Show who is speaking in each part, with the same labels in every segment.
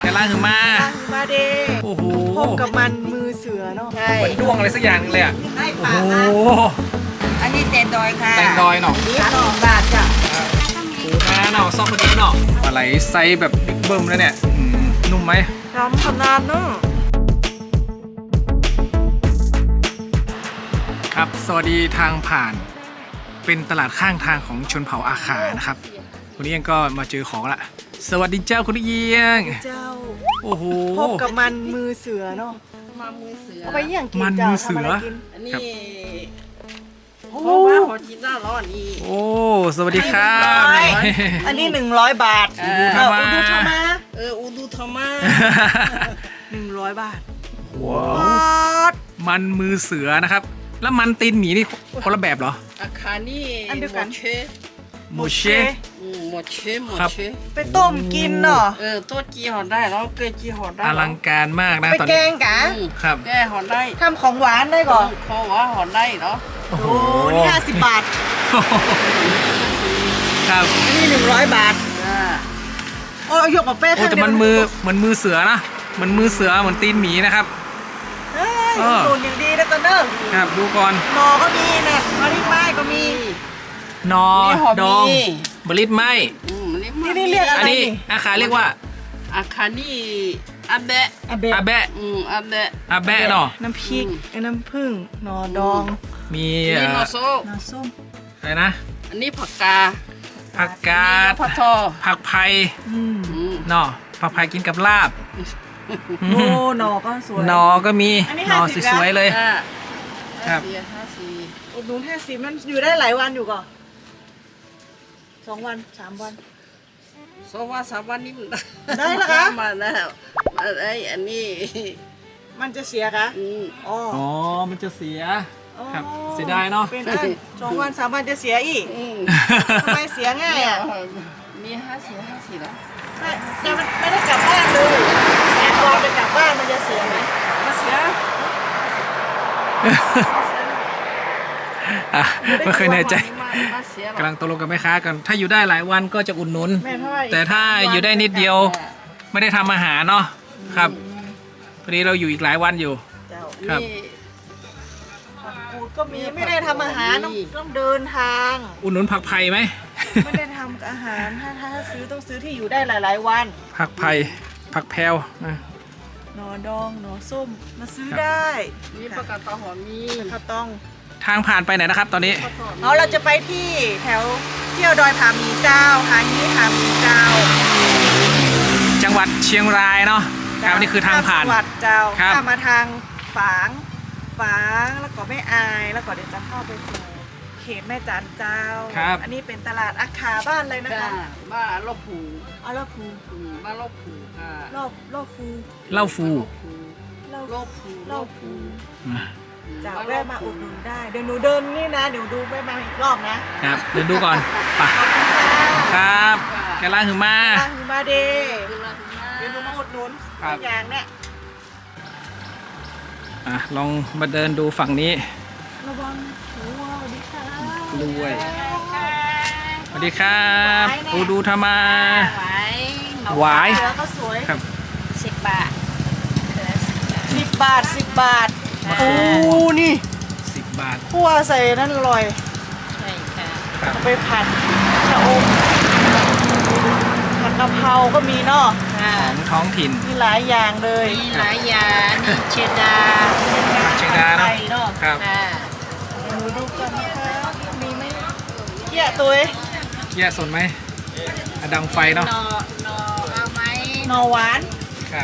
Speaker 1: กันล่างคือมา
Speaker 2: เด
Speaker 1: โอ้โห
Speaker 2: พบกับมันมือเสือเนาะ
Speaker 1: เหมือนด้วงอะไรสักอย่างเลยอ่ะโอ้โห
Speaker 3: อันนี้แตงดอยค่ะ
Speaker 1: แตงดอยเนาะ
Speaker 3: บาทจ้ะ
Speaker 1: ปูนาเนาะซอกกระดิ่งเนาะปลาไหลไซส์แบบบิ๊กเบิ้มแล้วเนี่ยนุ่มไหม
Speaker 2: ทำขนาดเนาะ
Speaker 1: ครับสวัสดีทางผ่านเป็นตลาดข้างทางของชนเผ่าอาขานะครับคุณเอียงก็มาเจอของละสวัสดีเจ้าคุณเอียง
Speaker 2: เจ้า
Speaker 1: โอ้โห
Speaker 2: พบกับมันมือเสือเนาะ
Speaker 3: มันมือเสือ
Speaker 2: เอาไปอย่างกิน
Speaker 1: มันมือเสือ
Speaker 3: อันนี้เพราะว่าขอกินหน้าร้อนนี่
Speaker 1: โอ้สวัสดีครับ
Speaker 2: อันนี้100 บาท
Speaker 1: อูดูธรรมะ
Speaker 3: อูดูธรรมะ
Speaker 2: 100 บาท
Speaker 1: ว้าวมันมือเสือนะครับแล้วมันตีนหมีนี่คนละแบบเหรอ
Speaker 3: อาคานี่
Speaker 2: อันเดียวกัน
Speaker 1: โมเช
Speaker 3: หมดเช
Speaker 2: ไปต้มกินเนาะ
Speaker 3: ต้มจีห่อได้แล้วเกยจีห่อได้
Speaker 1: อลังการมากนะ
Speaker 2: ไปแกงกะ
Speaker 1: ครับ
Speaker 3: แกห่อได้
Speaker 2: ทำของหวานได้ก่อน
Speaker 3: ของหวานห่อได้เนาะ
Speaker 1: โอ้โห
Speaker 2: นี่50 บาท
Speaker 1: ครับ
Speaker 2: นี่100 บาทโอ้ยกกับเป้
Speaker 1: แต่มันมือเสือนะเหมือนมือเสือเหมือนตีนหมีนะครับ
Speaker 2: ตูนอย่างดีนะตอนเนอร์
Speaker 1: ครับดูก่อน
Speaker 2: นอก็มีเนี่ยมะลิไม้ก็มี
Speaker 1: นอดองบลิตไม้
Speaker 2: นี่เรียกอะไร
Speaker 1: อันนี้อาคาเรียกว่า
Speaker 3: อาคานี่อาแบะ
Speaker 1: อาแบะอาแบะเนาะ
Speaker 2: น้ำพริกน้ำผึ้งนอดอง
Speaker 1: มี
Speaker 3: นอส้
Speaker 2: ม
Speaker 1: อะไรนะ
Speaker 3: อันนี้ผักกา
Speaker 1: ด
Speaker 3: ผักทอ
Speaker 1: ผักไผ่เนาะผักไผ่กินกับลาบ
Speaker 2: โอ้หนอก็สวย
Speaker 1: หนอก็มีหนอสวยๆเลย
Speaker 3: ครับ
Speaker 2: อุดหนุน50มันอยู่ได้หลายวันอยู่ก่อน2 วัน 3 วัน
Speaker 3: 2 วัน 3 วันนี่
Speaker 2: ได้แล้วคะ
Speaker 3: มาแล้วอันนี้
Speaker 2: มันจะเสียคะ
Speaker 1: อ๋อมันจะเสียครับเสียดายเนาะ
Speaker 2: เป็น2 วัน 3 วันจะเสียอีกทำไมเสียง่ายอ่ะ
Speaker 3: มี50แล้ว
Speaker 2: แต่มันไม่ได้กลับบ้านเลยแต่ตอนไปกลับบ้านมันจะเสียไหม
Speaker 3: มันเสีย
Speaker 1: ไม่เคยแน่ใจกำลังตกลงกับแม่ค้ากันถ้าอยู่ได้หลายวันก็จะอุดหนุนแต่ถ้าอยู่ได้นิดเดียวไม่ได้ทำอาหารเนาะครับพอดีเราอยู่อีกหลายวันอยู่ครับ
Speaker 2: ก็มีไม่ได้ทำอาหารต้องเดินทาง
Speaker 1: อุดหนุนผักไผ่ไหม
Speaker 2: ไม่ได้ทำอาหารถ้าซื้อต้องซื้อที่อยู่ได้หลายวัน
Speaker 1: ผักไผ่ผักแพรว
Speaker 2: หนอดองหนอส้มมาซื้อได้
Speaker 3: นี่ผักกาดตองหอมมี
Speaker 2: ข้าวต้อง
Speaker 1: ทางผ่านไปไหนนะครับตอนนี้
Speaker 2: เราจะไปที่แถวเที่ยวดอยผาหมีเจ้าหางี้ผาหมีเจ้า
Speaker 1: จังหวัดเชียงรายเนาะครับนี่คือทางผ่าน
Speaker 2: จังหวัดเจ้าถ้ามาทางฝางแล้วก็แม่อายแล้วก็เดี๋ยวจะเข้าไปสู่เขตแม่จันเจ้าอันนี้เป็นตลาดอาคาบ้านเลยนะคะ
Speaker 3: บ้านลบผู
Speaker 2: ลบผู
Speaker 3: บ้านลบผู
Speaker 2: ลบฟู
Speaker 1: เล่าฟู
Speaker 2: จะแวะมาอุดหนุนได้เดี๋ยวหนูเดินนี่นะเดี๋ยวดูแวะมาอีกรอบนะครับ
Speaker 1: เดินดูก่อนป่ะครับแกล่างหือมา
Speaker 2: เดเดี๋ยวหนูมาอุดหนุนอย่างเนี้ย
Speaker 1: ลองมาเดินดูฝั่งนี้
Speaker 2: ระวังหัวสวัสดีค่ะ
Speaker 1: ด้วยสวัสดีครับดูธรรมะหวาย
Speaker 2: ก็สวย
Speaker 1: ครับ
Speaker 3: 10 บาท
Speaker 2: 10 บาทโอ้นี่
Speaker 1: 10 บาท
Speaker 2: คั่วใส่นั่นอร่อย
Speaker 3: ใช่ค่ะ
Speaker 2: ไปผัดชะอมผัดกะเพราก็มีเนาะ
Speaker 1: ของท้องถิ่น
Speaker 2: มีหลายอย่างเลย
Speaker 3: มีหลายอย่างนี่เชดา
Speaker 1: เนาะครับ
Speaker 2: ดูกันนะคะมีไหมเกี้ยตัว
Speaker 1: เกี้ยสนไหมดังไฟเนาะ
Speaker 3: เอาไหม
Speaker 2: นอหวาน
Speaker 1: ครับ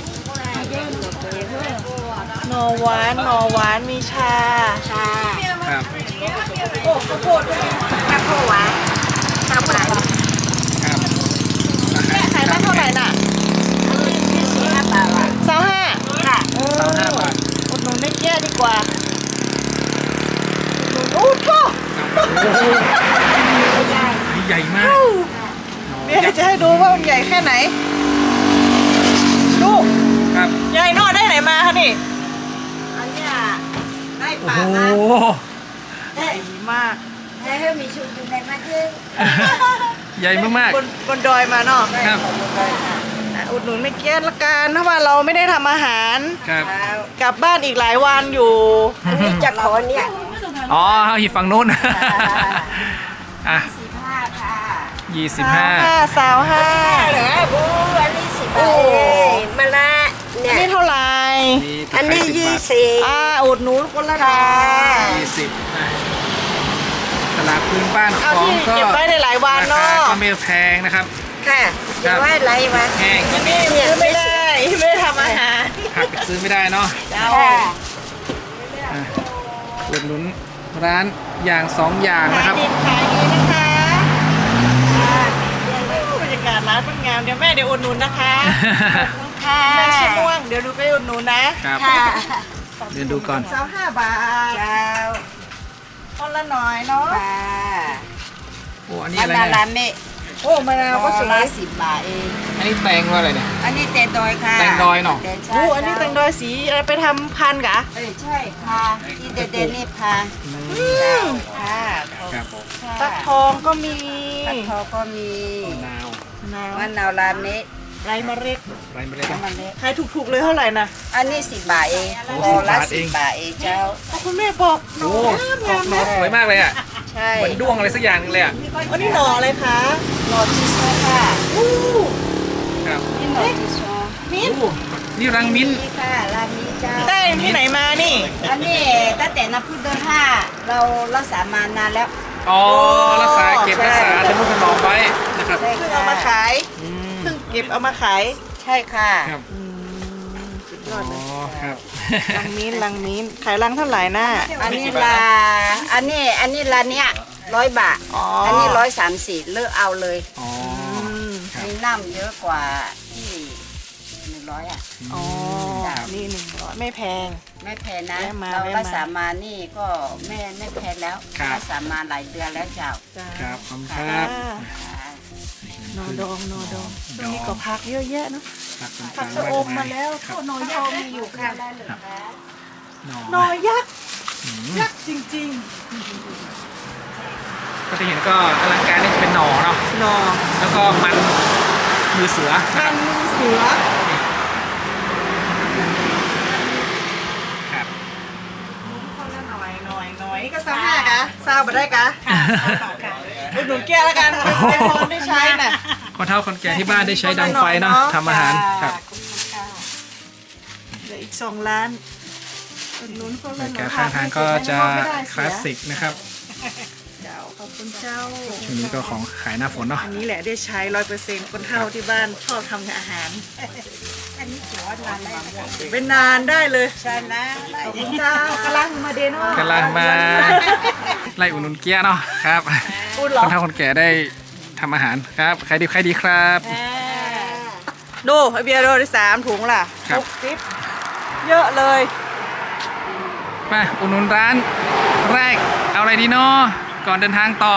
Speaker 2: นอหวานมีชา
Speaker 1: ครับ
Speaker 2: โอ้ข้าวโพด
Speaker 3: ข้าวโพดหวานข้าวโพด
Speaker 1: ครับ
Speaker 2: แม่ขายได้เท่าไหร่น่ะ
Speaker 3: 25 บาท
Speaker 2: 25
Speaker 3: ค่ะ
Speaker 1: 25 บาท
Speaker 2: อุดหนุนได้แย่ดีกว่าโอ้โห
Speaker 1: ใหญ่มาก
Speaker 2: เดี๋ยวจะให้ดูว่ามันใหญ่แค่ไหนดู
Speaker 1: ครับ
Speaker 2: ใหญ่นอได้ไหนมาคะนี่
Speaker 3: อันนี้ได้ปลา
Speaker 2: ใหญ่มาก
Speaker 3: ให้มีชุดอยู่ในมาคือ
Speaker 1: ใหญ่มาก
Speaker 2: บนดอยมาเนาะ
Speaker 1: ครับ
Speaker 2: อุดหนุนแม่เกี้ยนละกันเพราะว่าเราไม่ได้ทำอาหาร
Speaker 1: ครับ
Speaker 2: กลับบ้านอีกหลายวันอยู่
Speaker 3: นี่จะขอเนี่ย
Speaker 1: อ๋ออยู่ฝั่งนู้นอ่ะ
Speaker 3: 15ค่ะ
Speaker 1: 25
Speaker 2: สาวห้า
Speaker 3: เหรอบูอันนี้10 บาทเองมาละเนี่
Speaker 2: อัน
Speaker 3: ย
Speaker 2: นี้เท่าไหร่
Speaker 3: อันนี้ 20
Speaker 2: อุดหนุนคนละหน่อย
Speaker 1: 20นะตลาดพื้นบ้าน
Speaker 2: เอา
Speaker 1: ของ
Speaker 2: ที่
Speaker 1: ก็
Speaker 2: เก็บไว้ได้หลายวัน
Speaker 1: รา
Speaker 2: เนาะ
Speaker 1: คาก็ไม่แพงนะครับ
Speaker 3: ค่ะจะไว้ไรวะ
Speaker 1: แห้ง
Speaker 2: นี่ซื้อไม่ได้ไม่ได้ทำอาหาร
Speaker 1: ผักซื้อไม่ได้เนาะ
Speaker 3: ค่ะ
Speaker 1: อ่ะอุดหนุนร้านอย่าง2อย่าง
Speaker 2: ขา
Speaker 1: นะ
Speaker 2: ย
Speaker 1: ครับ
Speaker 2: ดีขายดีนะคะบรรยากาศร้านเป็นงามเดี๋ยวแม่เดี๋ยวอุดหนุนนะคะ
Speaker 3: ค่ะ
Speaker 2: แม่ชิม่วงเดี๋ยวดูไปอุดหนุนนะครับ
Speaker 3: ค่ะ
Speaker 1: เดินดูก่อน
Speaker 2: 25 บาท
Speaker 3: เจ้า
Speaker 2: คนละหน่อยเนาะ
Speaker 3: ค่ะ
Speaker 1: โอ้อันนี้
Speaker 3: อั
Speaker 1: อะ
Speaker 3: น
Speaker 1: ไร
Speaker 3: นั้น
Speaker 1: เนี่ย
Speaker 3: ร้านเมฆ
Speaker 2: โอ้มะนาวก็สวย
Speaker 3: 10 บาทเอง
Speaker 1: อันนี้แตงว่าอะไรเนี่ย
Speaker 3: อันนี้เตนดอยค่ะ
Speaker 1: แตงดอยเนอะ
Speaker 3: แตงใช่
Speaker 2: โอ้อันนี้แตงดอยสีอะไรไปทำพันธุ์กะ
Speaker 3: ใช่ค่ะที่เด่นๆนี่ค่ะ ค่ะ
Speaker 1: ครับ
Speaker 2: ฟักทองก็มี
Speaker 3: ฟักทองก็มี
Speaker 1: มะนาว
Speaker 3: มะนาวร้านนี้
Speaker 2: ไรมะเร็ด
Speaker 1: ไรไม่ได้
Speaker 3: น้ำมันเล็ก
Speaker 2: ขายถูกๆเลยเท่าไหร่นะ
Speaker 3: อันนี้10 บาทเอง
Speaker 1: โอ้
Speaker 3: โลละ
Speaker 1: 10 บาทเอง
Speaker 3: 10 บาทเองเจ้า
Speaker 2: โอ้คุณแม่บอกห
Speaker 1: โอ้
Speaker 2: น่องาม
Speaker 1: หน่อ
Speaker 2: นะ
Speaker 1: สวยมากเลยอ่ะ
Speaker 3: ใช่
Speaker 1: เหมือนด้วงอะไรสักอย่างนึงเลยอ่ะ
Speaker 2: อันนี้หน่ออะไรคะ
Speaker 3: โนจิโซค่ะ
Speaker 2: อู้
Speaker 1: ครับ
Speaker 3: นี่โนจิโซ
Speaker 2: มิ้น
Speaker 1: โอ้นี่รังมิ้นท์
Speaker 3: นี่ค่ะร้านนี้เจ้า
Speaker 2: ได้ที่ไหนมานี่
Speaker 3: อันนี้ตั้งแต่น้ำพึ่งเดือน5เรารักษามานานแล้ว
Speaker 1: อ๋อรักษาเก็บรักษาทนุถนอมไว้นะครับ
Speaker 3: ใช่
Speaker 2: เพิ่ง
Speaker 3: ค่ะ
Speaker 2: เอามาขาย
Speaker 1: อืม
Speaker 2: เพิ่งเก็บเอามาขาย
Speaker 3: ใช่ค่ะ
Speaker 1: ครับ
Speaker 2: สุดยอด
Speaker 1: อ๋
Speaker 2: เล
Speaker 1: อยครับ
Speaker 2: ลังมิ้นลังมิ้นขายลังเท่าไหร่น่ะ
Speaker 3: อันนี้อันนี้ร้านเนี้ย100 บาท
Speaker 2: อ๋อ
Speaker 3: อั
Speaker 2: อั
Speaker 3: นนี้134เลือกเอาเลย
Speaker 1: อ๋อครับ
Speaker 3: มีน้ำเยอะกว่าที่100อ่ะ
Speaker 2: อ๋อ
Speaker 3: จ้ะ
Speaker 2: นี่100ไม่แพง
Speaker 3: ไม่แพงนะ
Speaker 2: แม่มา
Speaker 3: เรา
Speaker 2: แม่มา
Speaker 3: รักษามานี่ก็ไม่แพงแล้ว
Speaker 1: ครับ
Speaker 3: รักษามาหลายเดือนแล้วเจ้า
Speaker 2: จ้า
Speaker 1: ครับขอบคุณครับ
Speaker 2: นอดองนอดองตรงนี้ก็พักเยอะแยะเนอะ
Speaker 1: ผัก
Speaker 2: ผั
Speaker 1: ต่าก งๆ
Speaker 2: ชะอมมาแล้ว
Speaker 1: ครับ
Speaker 2: นอยักษ์มีอยู่ค่ะ
Speaker 1: หน่
Speaker 2: น
Speaker 1: อ
Speaker 2: อยักษ์
Speaker 1: อืม
Speaker 2: ยักษ์จริง
Speaker 1: ก็จะเห็นก็อลังการนี่จะเป็นหน่อเนาะ
Speaker 2: ๆนอ
Speaker 1: แล้วก็มันมือเสือนะค
Speaker 2: กั
Speaker 1: รับ
Speaker 2: นมือเสือ
Speaker 1: ครับ
Speaker 2: คนละหน่อยนี่ก็35กะซาวบ่ได้กะอุดหนุนแก้วแล้วกันให้พรได้ใช้น่ะ
Speaker 1: คนเฒ่าคนแก่ที่บ้านได้ใช้ดังไฟเนาะทำอาหารครับ
Speaker 2: เหลืออีก2 ล้านอุดหนุนคน
Speaker 1: บร
Speaker 2: ละ
Speaker 1: ร
Speaker 2: หน่
Speaker 1: ยา
Speaker 2: อก
Speaker 1: าย ศข้างทางก็จะคลาสสิกนะครับ
Speaker 2: เจ้าขอบคุณเจ้า
Speaker 1: ช่วงนี้ก็ของขายหน้าฝนเนาะ
Speaker 2: อันนี้แหละได้ใช้ 100%คนเฒ่าที่บ้านชอบทำอาหาร
Speaker 3: อันนี้ถือว่านานได้ไหม
Speaker 2: เป็นนานได้เลย
Speaker 3: ใช่นะ
Speaker 2: ขอบคุณเจ้ากำลังมาเดโน่
Speaker 1: กำลังมาไล่อุดหนุนเกี๊ยะเนาะครับ
Speaker 2: พูดเหร
Speaker 1: ค
Speaker 2: อน
Speaker 1: เฒ่าคนแก่ได้ทำอาหารครับใครดีใครดีครับ
Speaker 2: ดูไอเบียร์โดได้3 ถุงล่ะ
Speaker 1: ครับ
Speaker 2: 60เยอะเลย
Speaker 1: มาอุดหนุนร้านแรกเอาอะไรดีเนาะก่อนเดินทางต่อ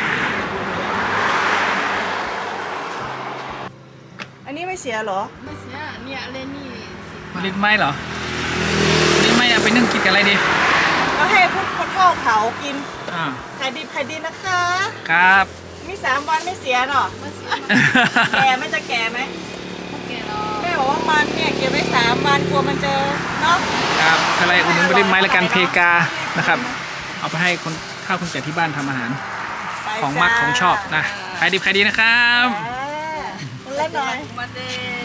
Speaker 2: อันนี้ไม่เสียเหรอ
Speaker 3: ไม่เสียเนี่ยเลยนี่
Speaker 1: ลิ้นไหมเหรอลิ้นไหมเอาไปนึ่งกินกับอะไรดี
Speaker 2: ก็ให้พวกคนเฒ่าเผากิน
Speaker 1: อ่า
Speaker 2: ขายดีนะคะ
Speaker 1: ครับ
Speaker 2: มี3 วันไม่เสียเนาะแก่ไหม่จะแก่ไหมแม่บอกว่ามันเนี่ยเก็บไว้3 วันกลัวมันจะเนาะ
Speaker 1: ครับอะไรอุดหนุนลิ้นไหมละกันเพกานะครับ เอาไปให้คนข้าวคนแก่ที่บ้านทำอาหาร
Speaker 2: ไป
Speaker 1: ของมักของชอบนะใครดีใครดีนะครับ
Speaker 2: คนละหน่อย
Speaker 3: มาเด้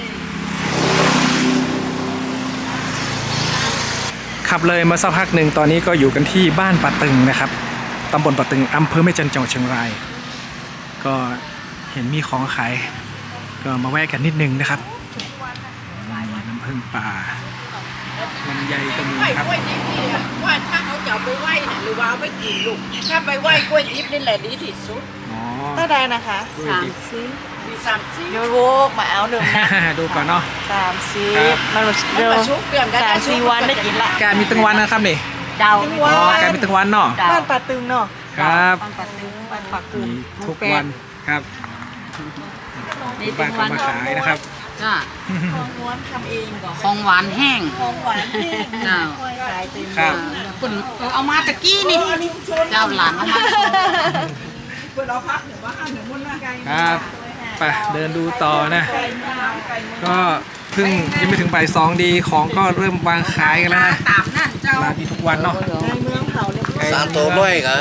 Speaker 1: ขับเลยมาสักพักหนึ่งตอนนี้ก็อยู่กันที่บ้านป่าตึงนะครับตำบลป่าตึงอำเภอแม่จันทร์จังหวัดเชียงรายก็เห็นมีของขายก็มาแวะกันนิดนึงนะครับมีน้ำผึ้งป่าลำไยก็มีครับ
Speaker 3: กล้วยดิบนี่ว่าถ้าเขาจะเอาไปไหว้น่ะหรือว่าเอาไปกินลูกถ้าไปไหว้กล้วยดิบนี่แหละดีที่สุด
Speaker 1: อ๋อ
Speaker 2: เท่าใดนะคะ
Speaker 1: กล้วยดิบ
Speaker 3: มี30
Speaker 2: โยโวกมาเอาหนึ่งนะ
Speaker 1: ดูก่อนเนาะ
Speaker 2: 30มัน
Speaker 3: มัน
Speaker 2: เร็ว
Speaker 3: มาชุบเปลี่ยนได้
Speaker 2: 3-4 วันได้กินละ
Speaker 1: การมีตึงวันนะครับนี่
Speaker 3: เดา
Speaker 2: ว้า
Speaker 1: อ๋อการมีตึงวันเนาะ
Speaker 2: บ้านป่าตึงเนาะ
Speaker 1: ครับ
Speaker 3: ปังปัดตึงปังปัดตึง
Speaker 1: มีทุกวันครับที่บ้านก็มาขายนะครับ
Speaker 4: จ้า
Speaker 2: ของม้วนทำเองก่อน
Speaker 4: ของหวานแห้ง
Speaker 2: ของหวานที่
Speaker 4: เจ้า
Speaker 2: ขายเต็ม
Speaker 1: ครับ
Speaker 4: คุณเอามาตะกี้นี่ เจ้าหลานเอามา
Speaker 2: เปิดเราพักหรือว่าห้ามหรือมุ่นมาไกล
Speaker 1: ครับ
Speaker 2: สวยงาม
Speaker 1: ไปเดินดูต่อนะ ก็เพิ่งยังไม่ถึงบ่ายสองดีของก็เริ่มวางขายกันแล้วนะ
Speaker 3: ตามนั่นเจ้า
Speaker 1: ร้านมีทุกวันเนาะ
Speaker 2: ในเมืองเผาเรียบร้อย
Speaker 5: 3 ตัวร้อยเหรอ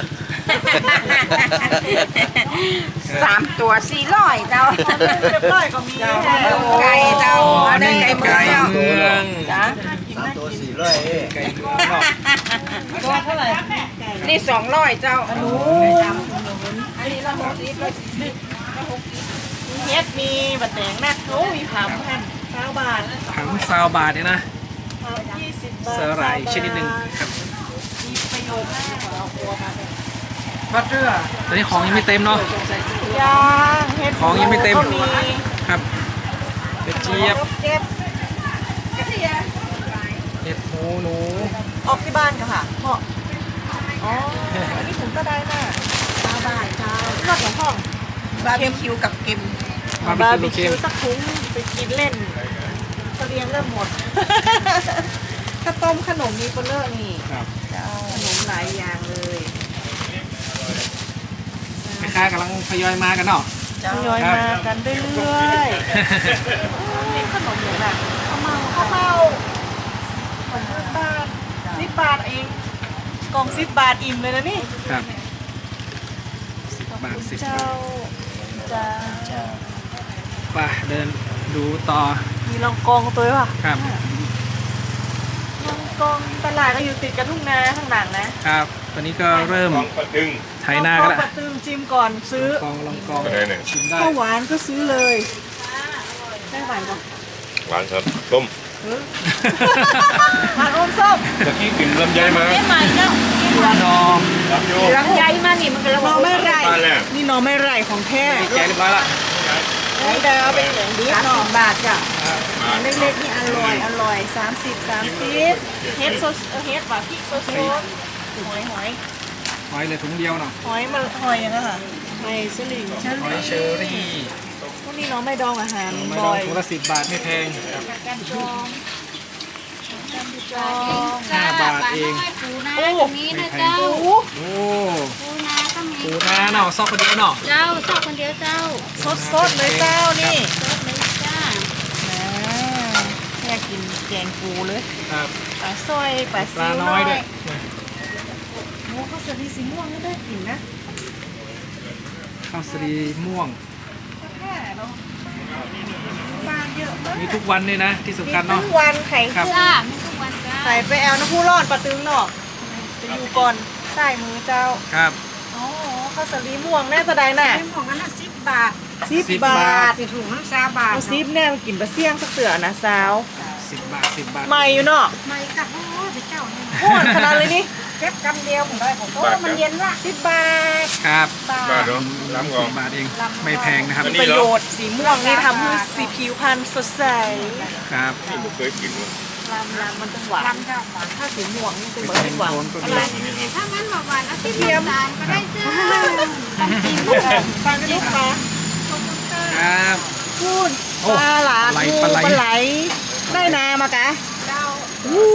Speaker 3: 3 ตัว400เจ้า
Speaker 2: เรียบร้อยก็มี
Speaker 3: ไก่เจ้า
Speaker 1: อ๋อ
Speaker 3: อันนี้
Speaker 1: นี่
Speaker 3: ไก่เมือง
Speaker 1: ไก่
Speaker 3: เจ้า
Speaker 1: เมือง
Speaker 3: จ้า
Speaker 5: 3 ตัว400
Speaker 1: ไก่เมืองเนาะ
Speaker 2: ตัวเท่าไหร่
Speaker 3: นี่200เจ้าอันนู้
Speaker 2: อันนี้ละเฮ็ดมีบัดแดงนัดเขามีผำพัน9 บาท
Speaker 1: ถังซาวบาทเนี่ยนะ
Speaker 2: 20 บาท
Speaker 1: สาหร่ายชนิดหนึ่งครับ
Speaker 2: มีประโยชน์มากเอาตัวมาเลย
Speaker 1: บัตเตอร์ตอนนี้ของยังไม่เต็มเนาะ
Speaker 2: ย่างเฮ็ด
Speaker 1: ของยังไม่เต็ม
Speaker 2: ก็มี
Speaker 1: ครับเห็ดเจี๊ยบ
Speaker 2: เจ็บกระเทียม
Speaker 1: เห็ดหนู
Speaker 2: ออกที่บ้านกันค่ะเหมาะอ๋ออันนี้ผมก็ได้น่ะ9 บาทเจ้ารอดของห้อง
Speaker 3: บาร์บีคิวกับเค็ม
Speaker 1: บาร์บีคิวเค็ม
Speaker 2: สักถุงไปกินเล่นเสลียงเริ่มหมด ข้าวต้มขนมมีเปลเลอร์นี่
Speaker 1: ครับ
Speaker 2: เจ้าขนมหลายอย่างเลย
Speaker 1: แม่ค้ากำลังทยอยมากันเนาะ
Speaker 2: ทยอยมากันเรื่อยๆนี่ขนมอย่างไรข้าวเมา10 บาท10 บาทเองกล่อง10 บาทอิ่มเลยนะนี่
Speaker 1: ครับ10 บาท10
Speaker 2: เจ้าจ้า
Speaker 1: ไปเดินดูต่อ
Speaker 2: มีลองกองตัวป่ะ
Speaker 1: ครับ
Speaker 2: ลองกองตลาดก็อยู่ติดกับทุ่งนาข้างหลังนะครับ
Speaker 1: ตอนนี้ก็เริ่ม
Speaker 6: ของปะตึง
Speaker 1: ไถนากัน
Speaker 2: ล
Speaker 1: แล้ว
Speaker 2: ปัดตึงจิ้มก่อนซื้อ
Speaker 1: ลองกอง
Speaker 6: ได้หนึ่ง
Speaker 1: ชิมได้
Speaker 2: ข้าวหวานก็ซื้อเลยได้หวานปะ
Speaker 6: หวานครับต้ม
Speaker 2: หวานอมส้ม
Speaker 6: ตะกี้กินลำไยมา
Speaker 3: ไม่ใหม่เจ้า
Speaker 1: ดอง
Speaker 6: รับโย
Speaker 3: ลำไยมานี่มันก็
Speaker 2: หน่อไม่ไร่
Speaker 6: บ้านแรก
Speaker 2: นี่หน่อไม่ไร่ของแท้
Speaker 1: แกะเรียบร้อยละ
Speaker 2: ไอ้ดาวเป็นเหลืองดิบหน่อบาทจ้ะ
Speaker 6: มา
Speaker 2: เล็กๆนี่อร่อย30เฮ็ดโซเฮ็ดว่าพริกโซหอย
Speaker 1: หอยเลยถุงเดียวเนาะ
Speaker 2: หอยมันหอยอย่างนั้นค่ะหอยสลิง
Speaker 1: หอยเชอรี่
Speaker 2: พวกนี้น้องไม่ดองอาหาร
Speaker 1: ไม่
Speaker 2: บ่
Speaker 1: ดอง
Speaker 2: อย
Speaker 1: ถุงละ10 บาทไม่แพงครับ
Speaker 2: จอง
Speaker 1: 5 บาทเอง
Speaker 4: ปูนาตรงนี้นะเจ้า
Speaker 2: โอ้
Speaker 1: โอ้
Speaker 4: ปูนาก็มี
Speaker 1: ปูนาเนาะซอกคนเดียวเนาะ
Speaker 4: เจ้าชอบคนเดียวเจ้า
Speaker 2: สดๆเลยเจ้านี่
Speaker 4: ชอบเลยจ้า
Speaker 2: แค่กินแกงปูเลย
Speaker 1: ครับ
Speaker 2: ปลาสร้อยปลา
Speaker 1: ป
Speaker 2: ซิ
Speaker 1: ลาว น้อยด้วย
Speaker 2: โอ้ข้าวสาลีสีม่วงก็ได้กินนะ
Speaker 1: ข้าวสาลีม่วง
Speaker 2: แค่เนาะปลาเยอะมาก
Speaker 1: มีทุกวันเลยนะที่สำคัญ
Speaker 2: ทุ
Speaker 1: เนาะ
Speaker 2: กวันไข่
Speaker 1: ครับ
Speaker 2: ขึ้น
Speaker 4: จ้าไม่ทุกวันจ้า
Speaker 2: ไข่ไปแอลน้ำผู้รอดปลาตึงเนาะจะอยู่ก่อนใส่มือเจ้า
Speaker 1: ครับ
Speaker 2: อ๋อข้าวสาลีม่วงแน่จะได้น่ะ
Speaker 3: เป็นของอันนั้น10 บาท
Speaker 2: 10 บาท
Speaker 3: สิถุงมัน3 บาท
Speaker 2: เอาซิปแน่มากินปลาเสี่ยงสักเสือนะสาว
Speaker 1: 10 บาท 10 บาท
Speaker 2: ใหม่อยู่เนาะ
Speaker 3: ไม่กับโอ้ยเจ้านี่
Speaker 2: โคตรขนาดเลยนี่
Speaker 3: เก็บกำเดียวผมได้ผมโอ้มันเย็นละ
Speaker 2: 10 บาท
Speaker 1: ครับ
Speaker 6: บ้านเนาะล้ำกอง
Speaker 1: 10 บาทเองไม่แพงนะครับ
Speaker 2: มีประโยชน์สีม่วงนี่ทำให้สีผิวพรรณสดใส
Speaker 1: ครับ
Speaker 6: ไม่เคยกินเลย
Speaker 2: ลำมันจะหวาน
Speaker 3: ลำเจ้าหวาน
Speaker 2: ถ้าสีม่วงนี่จะ
Speaker 1: เป็น
Speaker 2: เหมือน
Speaker 1: โท
Speaker 2: หวาน
Speaker 1: นก็มี
Speaker 2: อะไร
Speaker 4: ถ้างั้นหวานๆเอาที่เทียมตาลก็ได้จ้าต้องกิน
Speaker 2: ฟังกันลูกค้า
Speaker 1: ครับ
Speaker 2: พูด
Speaker 1: โอ้
Speaker 2: ปลาหลา
Speaker 1: ปลาไหล
Speaker 2: ปลาไหลได้นามากะ
Speaker 3: เจ้า
Speaker 2: อู้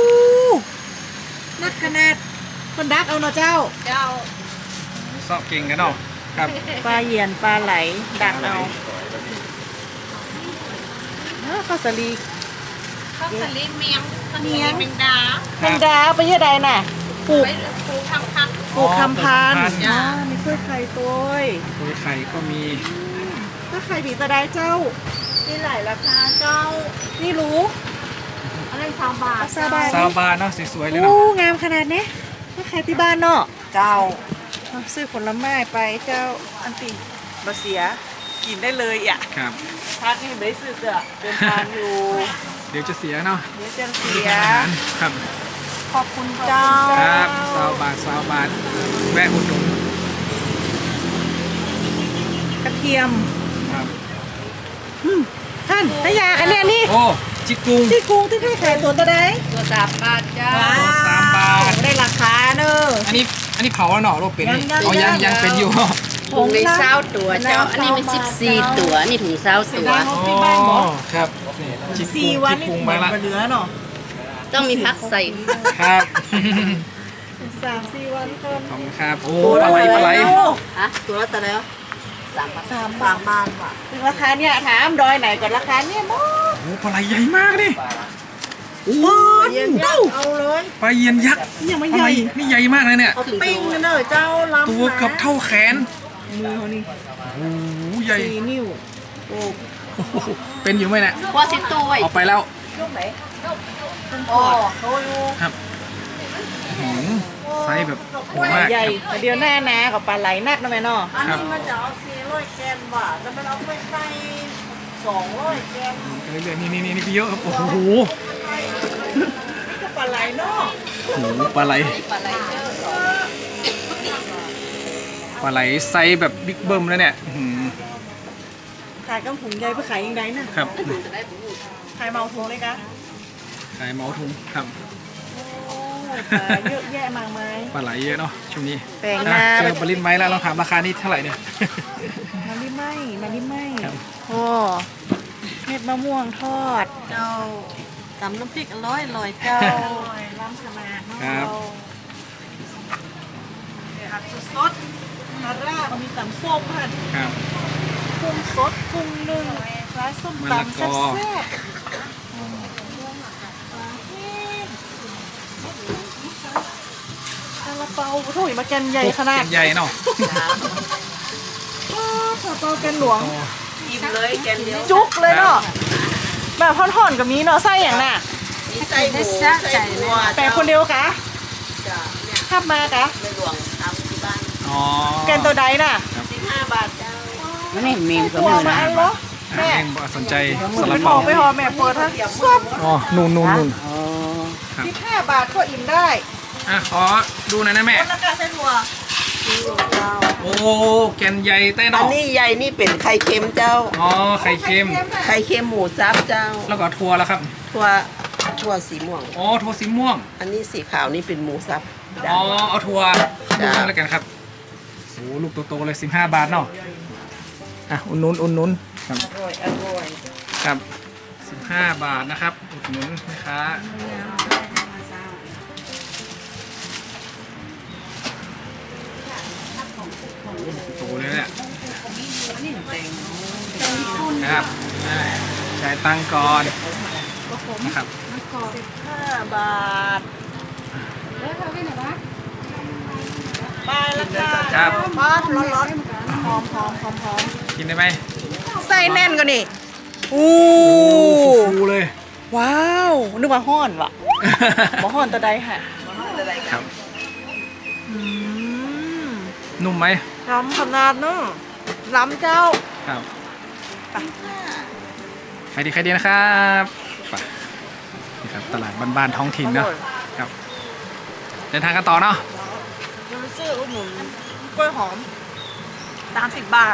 Speaker 2: นักขนาดคนดักเอาเนาะเจ้า
Speaker 3: เจ้า
Speaker 1: ซอกเก่งกันเนาะครับ
Speaker 2: ปลาเหยียนปลาไหลดักเอาข้าวสาลี
Speaker 4: ข้าวสลิดเมียงข้าวสลิดแมงดา
Speaker 2: แมงดาไปยังไงน่ะปลูก
Speaker 4: ไปปลูกทำพันธุ์
Speaker 2: ปลูกคำพัน
Speaker 1: ปลูกคำพันธุ์
Speaker 2: อ๋อมีกล้วยไข่ตัว
Speaker 1: โดยไข่ก็มี
Speaker 2: ถ้าไข่บีตะไดเจ้า
Speaker 3: มีหลายราคาเจ้า
Speaker 2: นี่รู้
Speaker 3: อะไร3 บาท
Speaker 2: ซาบา
Speaker 1: ซาวบาทเนาะสวยๆเลยเนาะ
Speaker 2: โอ้งามขนาดนี้ถ้าใครที่บ้านเนาะ
Speaker 3: เจ้า
Speaker 2: เอาซื้อผลไม้ไปเจ้าอันติบะเสียกินได้เลยอ่ะ
Speaker 1: ครับ
Speaker 2: พักนี่ไม่ได้ซื้อเด้อเดินทางอยู่
Speaker 1: เดี๋ยวจะเสียเนาะ
Speaker 2: เดี๋ยวจะเสีย
Speaker 1: อาหารครับ
Speaker 2: ขอบคุณเจ้า
Speaker 1: ครับซาวบาทแวะอุดหนุน
Speaker 2: กระเทียม
Speaker 1: ครับ
Speaker 2: ท่านนายาอันเนี้ยนี่
Speaker 1: โอ้จิกกุง
Speaker 2: ที่กรุงที่ให้ขายตัวตะได
Speaker 3: ตัว3 บาทเจ้า
Speaker 1: 3 บาท
Speaker 2: ได้ราคาเนอะ
Speaker 1: อันนี้เผาแล้วเนาะโรคเป็นนี่
Speaker 2: ยัง
Speaker 1: อ๋อยังเป็นอยู่
Speaker 3: ถุงใน20 ตัวเจ้า อันนี้มัน14 ตัว นี่ถุง20 ตัว
Speaker 1: อ๋อครับนี่จิกกุง
Speaker 2: 4 วัน
Speaker 1: จิก
Speaker 2: นี่
Speaker 1: กุง
Speaker 2: หม
Speaker 1: มา
Speaker 2: ด
Speaker 1: ละ
Speaker 2: เหลือเนาะ
Speaker 3: ต้องมีพักใส่
Speaker 1: ครับ
Speaker 2: 3-4 วันคน
Speaker 1: ขอบคุณครับโอ้ปลาไหล
Speaker 3: ฮะตัวละแต่แล้ว
Speaker 2: 3 บาทถึงราคาเนี่ยถามดอยไหนก่อนราคาเนี่ยหมด
Speaker 1: โอ้ปลาไหลใหญ่มากดิโอ้
Speaker 2: เย็นเอาเลย
Speaker 1: ปลาเยียนยักษ์
Speaker 2: ยังไม่
Speaker 1: ปลา
Speaker 2: ให
Speaker 1: ไหล
Speaker 2: ญ่
Speaker 1: นี่ใหญ่มากเลยเนี่ย
Speaker 2: เอาปิ้งกันเลยเจ้าลำ
Speaker 1: ตัวเกือบเท่าแขน
Speaker 2: มือเขานี่
Speaker 1: โอ้โหใหญ่
Speaker 2: 4 นิ้วโอ้
Speaker 1: โอ้โหเป็นอยู่ไหมเนี่ย
Speaker 3: ว่าสิบตัวไว้
Speaker 1: เอาไปแล้ว
Speaker 2: โอ้โหอยู่
Speaker 1: ครับอื้อหือไซส์แบบโหดมาก
Speaker 2: ใหญ่แต่เดียวหน้านากับปลาไหลนักนะแม่เนาะ
Speaker 1: ครับ
Speaker 2: มันจะเอา400 แกนว่ะแล้วมันเอาไปใส่200 แกน
Speaker 1: เรื่อยๆนี่พี่เยอะครับโอ้โห
Speaker 2: นี่ก็ปลาไหลเนาะ
Speaker 1: โอ้โหปลาไหลปลาไหลไซส์แบบบิ๊กเบิ้มแล้วเนี่ยอื้อหือ
Speaker 2: ขายกำถุงใหญ่ไปขายยังไงน่ะ
Speaker 1: ครับ
Speaker 2: ขายเมาถุงเลยกะ
Speaker 1: ขายเมาทุงครับ
Speaker 2: โอ้ปลาเยอะแยะมากมาย
Speaker 1: ปลาไหลเยอะเนาะช่วงนี้
Speaker 2: แปลง
Speaker 1: อ่ะ
Speaker 2: นา
Speaker 1: เจอปลาลิ้นไม้แล้วเราถามราคานี่เท่าไหร่เนี่ย
Speaker 2: มาลิไหมมาลิไหม
Speaker 1: ครับ
Speaker 2: โอ้เม็ดมะม่วงทอด
Speaker 3: เจ้าตำน้ำพริกอร่อยเจ้า
Speaker 2: ล้ำขนาดเนาะ
Speaker 1: ครับ
Speaker 2: ผักสดๆนาร่าก็มีตำส้มหั่น
Speaker 1: ครับ
Speaker 2: กุ้งสดกุ้งนึ่งร้านส้ม
Speaker 1: มะละ
Speaker 2: ตำ
Speaker 1: ก
Speaker 2: แซ่
Speaker 1: อ
Speaker 2: บๆซาลาเปาโอ้โหมาแกนใหญ่ขนาด
Speaker 1: ใหญ่เนาะ
Speaker 2: ซาลาเปาแกนหลวง
Speaker 3: อิ่มเลยแกนเดียว
Speaker 2: จุกเลยเนาะแบบท่อนๆกับนี้เนาะไส้อย่างน่ะ
Speaker 3: มีไส้หมูไส้วัว
Speaker 2: แต่คนเดียวกะ
Speaker 3: จ้ะเนี่ย
Speaker 2: ขับมากะ
Speaker 3: ในหลวงทำที่บ้าน
Speaker 1: อ๋อ
Speaker 2: แกนตัวใดน่ะ
Speaker 3: 15 บาทเจ้า
Speaker 4: นี่มีก็
Speaker 2: ตัว
Speaker 4: มี
Speaker 2: มา
Speaker 4: นะ
Speaker 2: อันเหรอ
Speaker 1: แม่
Speaker 2: แม่
Speaker 1: งสนใจส
Speaker 2: ไป
Speaker 1: ลับ
Speaker 2: หอ
Speaker 1: เปา
Speaker 2: ไปหอแม่เปิดฮะซบ
Speaker 1: อ๋อนู่น
Speaker 4: อ๋อ
Speaker 1: ครับ
Speaker 2: 15 บาทก็อิ่มได้
Speaker 1: อ่ะขอดูหน่อยนะแม่
Speaker 2: คนละกะเส้นหัว
Speaker 1: โอ้แกนใหญ่เต้น
Speaker 3: อัน
Speaker 1: เนาะ
Speaker 3: นี้ใหญ่นี่เป็นไข่เค็มเจ้า
Speaker 1: อ๋อไข่เค็ม
Speaker 3: ไข่เค็มหมูซับเจ้า
Speaker 1: แล้วก็ถั่วแล้วครับ
Speaker 3: ถั่วสีม่วง
Speaker 1: อ๋อถั่วสีม่วง
Speaker 3: อันนี้สีขาวนี่เป็นหมูซับ
Speaker 1: อ๋อเอาถั่วลู
Speaker 3: จ้ะ
Speaker 1: กนึงแล้วกันครับโอ้ลูกโตๆเลย15 บาทเนาะอ่ะอุ่นนุนครับ
Speaker 3: อร่อย
Speaker 1: ครับ15 บาทนะครับอุดหนุนนะคะโตเลยเนี่ยครับจ่ายตังค์ก่อนนะครับ
Speaker 2: 5 บาทไปแล้วจ้า
Speaker 1: ครับ
Speaker 2: บ้านร้อนๆหอม
Speaker 1: กินได้ไหม
Speaker 2: ไส้แน่นกว่านี่อู้
Speaker 1: ฟูๆเลย
Speaker 2: ว้าวนึกว่าห้อนว่ะบ่ห้อนตัวใดฮะ
Speaker 1: ครับ
Speaker 2: อืม
Speaker 1: นุ่มไหม
Speaker 2: ล้ำขนาดเนาะล้ำเจ้า
Speaker 1: ครับใครดีนะครับไปนี่ครับตลาดบ้านๆท้องถิ่นเนาะครับเดินทางกันต่อเนาะ
Speaker 2: เดี๋ยวซื้ออุดหนุนกล้วยหอม30 บาท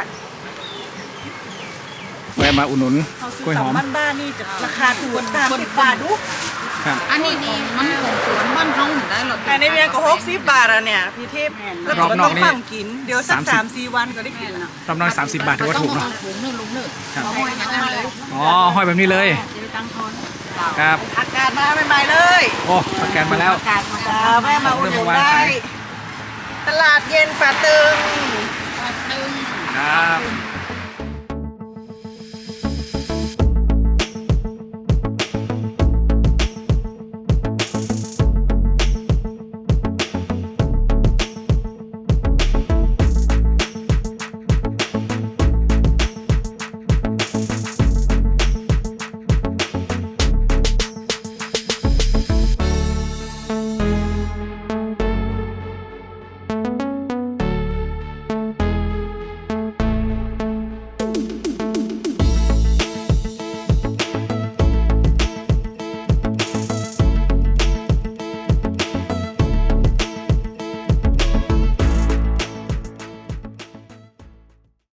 Speaker 1: แวะมาอุดหนุน
Speaker 2: เขาซื้
Speaker 1: กล้วยหอม
Speaker 2: ตำบ้านๆนี่จะราคาถูก30 บาทดู
Speaker 1: ครับ
Speaker 3: อันนี้นี่มันของสวนบ้านท้องได้หรอ
Speaker 2: แต่ในเวียงก็60 บาทอ่ะเนี่ยพี่เทพแล้วก็ต้องฟังกินเดี๋ยวสัก 3-4 วันก็ได้กินแล้ว
Speaker 1: รอบน้อย30 บาทถือว่าถูกเนาะ
Speaker 3: ถุงนึงลุงนึง
Speaker 1: ครับ
Speaker 3: เอาไว้อย่างนั้นเลย
Speaker 1: อ๋อห้อยแบบนี้เลย
Speaker 3: จะได้ตั้งทอน
Speaker 1: ครับ
Speaker 2: อากาศมาใหม่ๆเลย
Speaker 1: โอ้ประกันมาแล้ว
Speaker 3: การมา
Speaker 2: จ้าแม่มาอุดหนุน
Speaker 1: เริ่มวาง
Speaker 2: ได้
Speaker 1: ขาย
Speaker 2: ตลาดเย็นป่าตึง
Speaker 3: ตึง
Speaker 1: ครับ